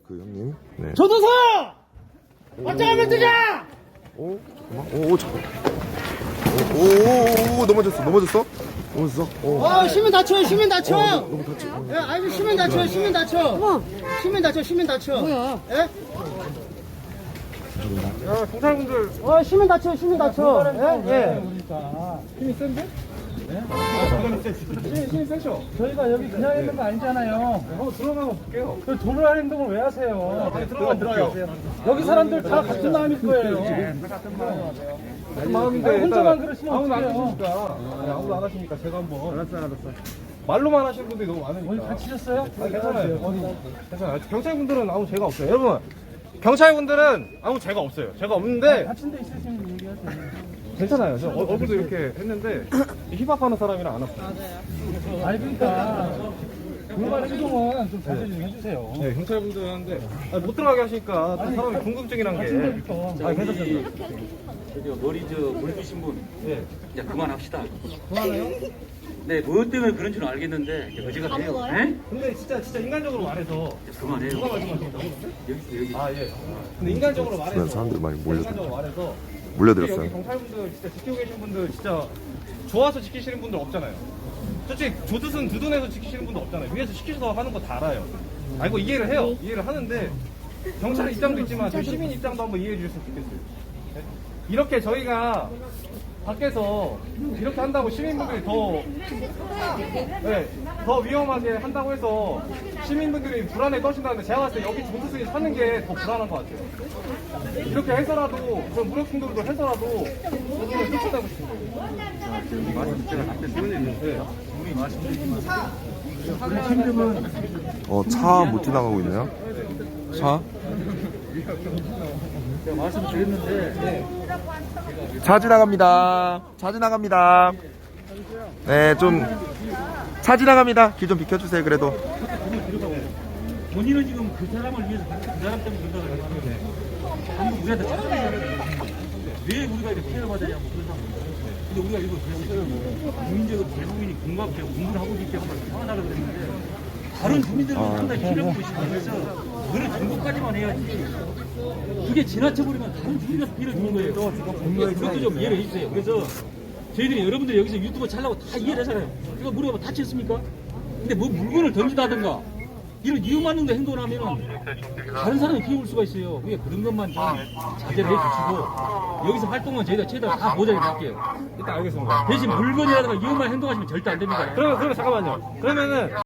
그 형님. 네. 조도서! 어쩌면 뜨자! 오, 잠깐. 오, 넘어졌어. 넘어졌어? 시민 다쳐, 시민 다쳐! 너무 다쳐. 예, 아니, 시민 다쳐, 시민 다쳐! 시민 다쳐, 시민 다쳐! 뭐야? 예? 야, 경찰분들. 시민 다쳐, 시민 다쳐! 예? 예. 힘이 센데? 네? 힘이 세죠? 저희가 여기 그냥 있는 거 아니잖아요. 한번 들어가서 볼게요. 그 도로할 행동을 왜 하세요? 들어가요. 여기 사람들 다 같은 마음일 거예요. 같은 마음인데. 아니, 혼자만 일단 그러시면 아무도 안 어떡해요? 하시니까. 아무도 안 하시니까 제가 한번. 알았어. 말로만 하시는 분들이 너무 많으니까. 어디 다치셨어요? 아니, 괜찮아요. 어디? 괜찮아요. 경찰분들은 아무 죄가 없어요. 여러분, 경찰분들은 아무 죄가 없어요. 죄가 없는데. 다친 데 있으시면 얘기하세요. 괜찮아요. 저 얼굴도 이렇게 했는데 힙합하는 사람이랑 안 왔어요. 아니 그러니까 돌발 행동은 좀 자제 좀 해주세요. 네, 경찰분들 하는데 못 들어가게 하시니까 또 사람이 궁금증이란 다친 게. 데부터. 괜찮습니다. 저기 머리 물 주신 분 네. 이제 그만합시다. 그만해요? 네, 뭐 때문에 그런 줄 알겠는데 이제 어제가 돼요. 네? 근데 진짜 인간적으로 말해서 그만해요. 누가 말씀하신다고? 여기. 아 예. 근데 인간적으로 말해서 주변 사람들이 많이 인간적으로 몰려들었어요. 말해서 여기 몰려들었어요. 경찰분들 진짜 지키고 계신 분들 진짜 좋아서 지키시는 분들 없잖아요. 솔직히 조두순 두둔해서 지키시는 분들 없잖아요. 위에서 시키셔서 하는 거 다 알아요. 알고 이해를 해요. 이해를 하는데 경찰 입장도 있지만 저희 시민 입장도 한번 이해해 주셨으면 좋겠어요. 네? 이렇게 저희가 밖에서 이렇게 한다고 시민분들이 더 위험하게 한다고 해서 시민분들이 불안에 떠신다는데 제가 봤을 때 여기 조두순이 사는 게 더 불안한 것 같아요. 이렇게 해서라도 그런 무력 충돌도 해서라도 조두순을 쫓아내고 싶은 거예요. 제가 답변 드렸는데 우리 말씀드리지만 차 못 지나가고 있네요. 차? 제가 말씀드렸는데 차 지나갑니다. 차 지나갑니다. 네, 차 지나갑니다. 길 좀 비켜주세요, 그래도. 본인은 지금 그 사람을 위해서 그 사람 때문에 그런다고 했는데 한번 우리한테 찾아내요. 왜 우리가 이렇게 피해를 받으냐고 그런 상황. 근데 우리가 이거 그냥 국민적으로 대부분이 공감되고 공부하고 있기 때문에 편하다고 그랬는데 다른 국민들은 상당히 피해를 보고 있으면서 그걸 정도까지만 해야지. 그게 지나쳐버리면 다른 국민에서 피해를 주는 거예요. 그것도 좀 이해를 해주세요. 그래서 저희들이 여러분들이 여기서 유튜브 촬영하고 다 이해를 하잖아요. 이거 물어보면 다쳤습니까? 근데 뭐 물건을 던지다든가 이런 위험한 행동을 하면 다른 사람이 피해 올 수가 있어요. 그게 그런 것만 좀 자제를 해주시고 여기서 활동은 저희가 최대한 다 보장해 드릴게요. 일단 알겠습니다. 대신 물건이라든가 위험한 행동하시면 절대 안 됩니다. 그러면 잠깐만요. 그러면은